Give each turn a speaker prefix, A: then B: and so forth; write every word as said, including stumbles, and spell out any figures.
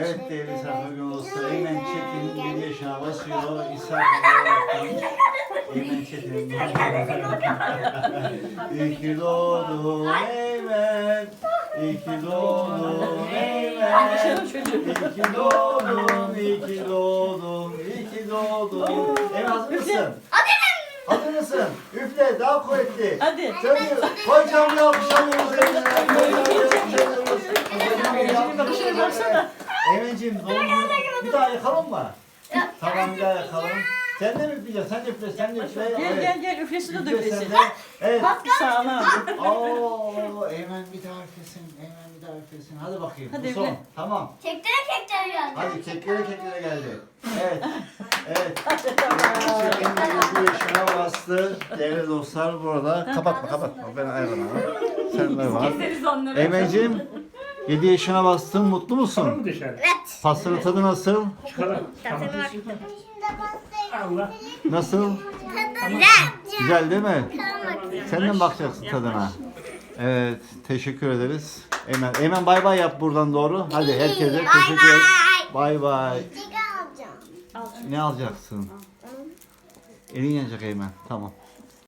A: Evet değerli misafir olsa Eymen Çetin yedi yaşına basıyor. İsa olaraktan Eymen Çetin. İyi ki doğdun Eymen. İyi ki doğdun Eymen. İyi ki doğdun, iyi ki doğdun, iyi ki doğdun. Eymen hazır mısın? Hazır mısın? Üfle daha kuvvetli.
B: Hadi.
A: Tabii. Kocaman bir alkış alıyoruz Eymen'e. Kocaman bir alkış alıyoruz. Kocaman bir alkış
B: Bakışına
A: alıyoruz.
B: baksana.
A: Eymen'ciğim doğum günü bir daha yakalım mı? Tamam bir daha yakalım. Sen de mi üfleyeceksin? Sen de üfle, sen de üfle.
B: Gel gel gel üflesin o da
A: Üfle sen
B: üflesin.
A: de. Evet.
B: Sağlam.
A: Oo, Eymen bir daha üflesin. Eymen bir daha üflesin. Hadi bakayım.
B: Hadi
A: Bu son.
B: üfle.
A: Tamam.
C: Keklere keklere geldi.
A: Hadi keklere keklere geldi. Evet. Evet. Eymen yedi yaşına bastı. Değerli dostlar burada. Kapatma kapatma. Ben ayarlamam. Sen de var.
C: Keseriz onları.
A: Eymen'ciğim yedi yaşına bastın. Mutlu
D: Çıkalım
A: musun?
D: mı dışarı?
C: Evet.
A: Pastanın tadı nasıl?
D: Çıkalım. Tamam. Allah.
A: Nasıl?
C: Güzel.
A: Güzel değil mi? Sen de mi bakacaksın tadına? Evet, teşekkür ederiz. Eymen, Eymen bay bay yap buradan doğru. Hadi herkese teşekkür et. Bay bay.
C: Alacağım.
A: Ne alacaksın? Elin yanacak Eymen. Tamam.